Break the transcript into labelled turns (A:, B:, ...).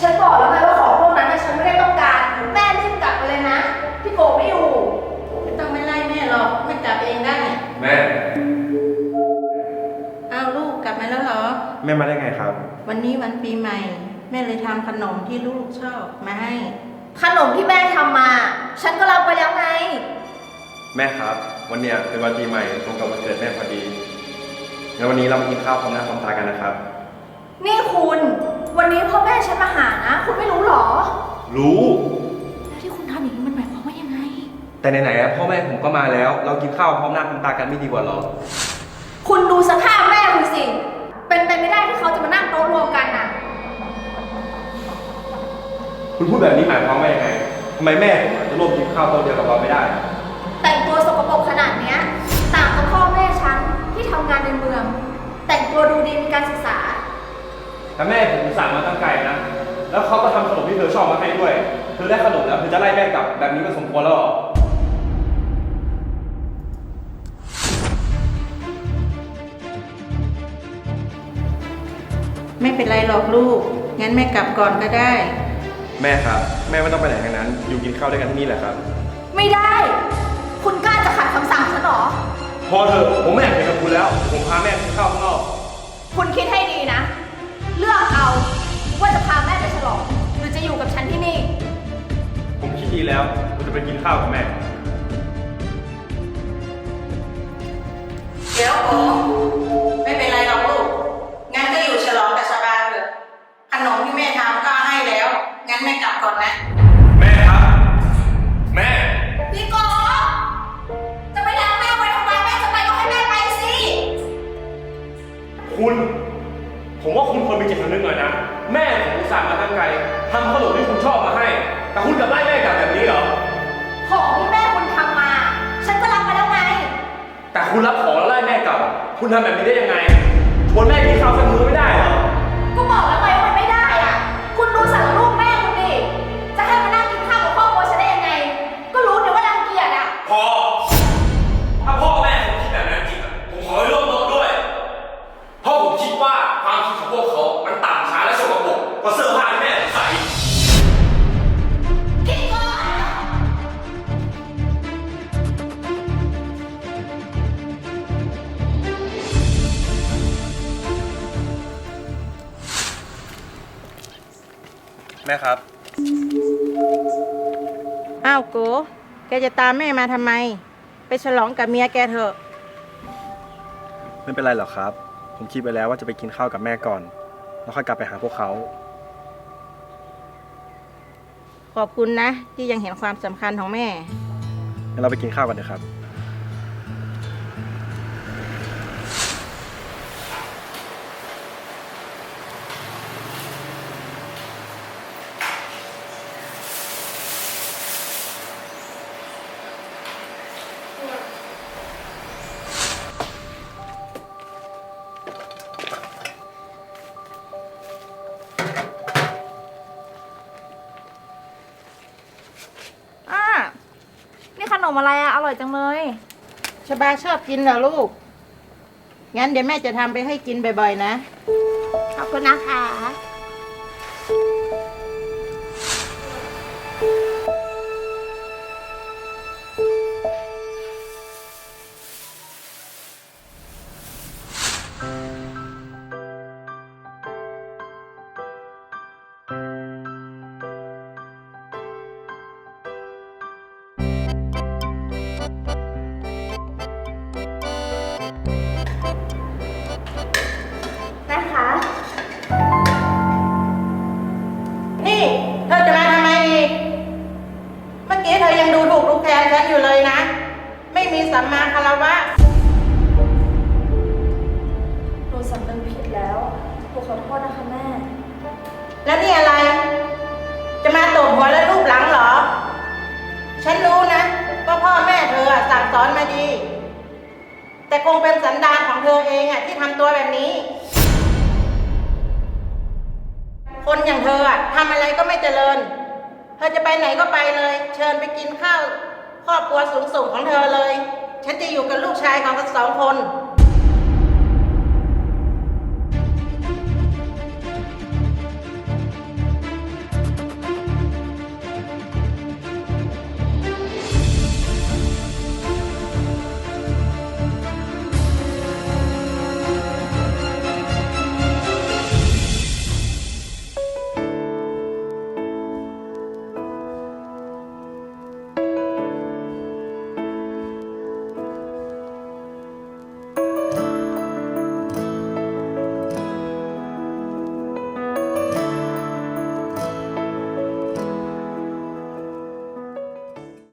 A: ฉันบอกแล้วไงว่าของพวกนั้นฉันไม่ได้ต้องการแม่รีบกลับไปเลยนะพี่โกไม่อยู่
B: ไม่ต้องไม่ไล่แม่หรอกแม่กลับเองได้
C: แม่
B: เอาลูกกลับมาแล้วเหรอ
C: แม่มาได้ไงครับ
B: วันนี้วันปีใหม่แม่เลยทำขนมที่ลูกชอบมาให้
A: ขนมที่แม่ทำมาฉันก็รับไปแล้วไง
C: แม่ครับวันเนี้ยเป็นวันปีใหม่ตรงกับวันเกิดแม่พอดีงั้นวันนี้เรามากินข้าวพร้อมหน้าพร้อมตากันนะครับ
A: นี่คุณวันนี้พ่อแม่ฉันมาหานะคุณไม่รู้หรอ
C: รู้
A: แล้วที่คุณทำอย่างนี้มันหมายความว่ายังไง
C: แต่ไหนๆพ่อแม่ผมก็มาแล้วเรากินข้าวพร้อมหน้าพร้อมตากันไม่ดีกว่าหรอ
A: คุณดูสภาพแม่คุณสิเป็นไปไม่ได้ที่เขาจะมานั่งโต๊ะรวมกันน่ะ
C: คุณพูดแบบนี้หมายความว่ายังไงทำไมแม่ผมจะร่วมกินข้าวโต๊ะเดียวกับเราไม่ได้
A: แต่งตัวสกปรกขนาดเนี้ยต่างกับพ่อแม่ฉันที่ทำงานในเมืองแต่งตัวดูดีมีการศึกษา
C: แต่แม่ผมสั่งมาตั้งไกลนะแล้วเขาก็ทำขนมที่เธอชอบมาให้ด้วยเธอได้ขนมแล้วเธอจะไล่แม่กลับแบบนี้มันสมควรแล้วหรอ
B: ไม่เป็นไรหรอกลูกงั้นแม่กลับก่อนก็ได้
C: แม่ครับแม่ไม่ต้องไปไหนทั้งนั้นอยู่กินข้าวด้วยกันที่นี่แหละครับ
A: ไม่ได้คุณกล้าจะขัดคำสั่งฉันหรอ
C: พอเถอะผมไม่อยากเห็นกับคุณแล้วผมพาแม่กินข้าวข้างนอก
A: คุณคิดให้ดีนะเลือกเอาว่าจะพาแม่ไปฉลองหรือจะอยู่กับฉันที่นี่
C: ผมคิดดีแล้วผมจะไปกินข้าวกับแม่
B: เดี๋ยวโอ้ไม่เป็นไรหรอกลูกงั้นก็อยู่ฉลองกับชาบาเถอะขนมที่แม่ทำก็ให้แล้วงั้นแม่กลับก่อนนะ
C: แม่ครับแม่
A: พี่โกจะไปทำแม่ไว้ทำไมแม่จะไปก็ให้แม่ไปสิ
C: คุณผมว่าคุณควรมีจิตสำนึกหน่อยนะแม่ผมอุตส่าห์มาตั้งไกลทำขนมที่คุณชอบมาให้แต่คุณกลับไล่แม่กลับแบบนี้เหรอ
A: ของที่แม่คุณทำมาฉันก็รับมาแล้วไง
C: แต่คุณรับของแล้วไล่แม่กลับคุณทำแบบนี้ได้ยังไงชวนแม่กินข้าวสักมื้อไม่ได้เหรอ
A: ก็บอกแล้วไงว่ามันไม่ได้อ่ะคุณดูสารรูปแม่คุณดิจะให้มานั่งกินข้าวกับครอบครัวฉันได้ยังไงก็รู้เนี่ยว่ารังเกียจอ่ะ
C: พอถ้าพ่อแม่ผมคิดแบบนั้นจริงผมขอให้ร่วมโต๊ะด้วยเพราะผมคิดว่าความคิดของพวกเขามันต่ำช้าและสกปรกกว่าเสื้อผ้าที่แม่ใส่แม่ครับ
B: อ้าวโกแกจะตามแม่มาทำไมไปฉลองกับเมียแกเถอะ
C: ไม่เป็นไรหรอกครับผมคิดไปแล้วว่าจะไปกินข้าวกับแม่ก่อนแล้วค่อยกลับไปหาพวกเขา
B: ขอบคุณนะที่ยังเห็นความสำคัญของแม่
C: งั้นเราไปกินข้าวกันเถอะครับ
A: นี่ขนมอะไรอะอร่อยจังเลย
B: ชบาชอบกินเหรอลูกงั้นเดี๋ยวแม่จะทำไปให้กินบ่อยๆนะ
A: ขอบคุณนะคะ
B: นี่เธอจะมาทำไมอีกเมื่อกี้เธอยังดูถูกดูแคลนฉันอยู่เลยนะไม่มีสัมมาคารวะ
A: หนูสำนึกผิดแล้วหนูขอโทษนะคะแม่
B: แล้วนี่อะไรจะมาตบหัวและรูปหลังเหรอฉันรู้นะว่าพ่อแม่เธอสั่งสอนมาดีแต่คงเป็นสันดานของเธอเองที่ทำตัวแบบนี้คนอย่างเธอทำอะไรก็ไม่เจริญเธอจะไปไหนก็ไปเลยเชิญไปกินข้าวครอบครัวสูงส่งของเธอเลยฉันจะอยู่กับลูกชายของทั้งสองคน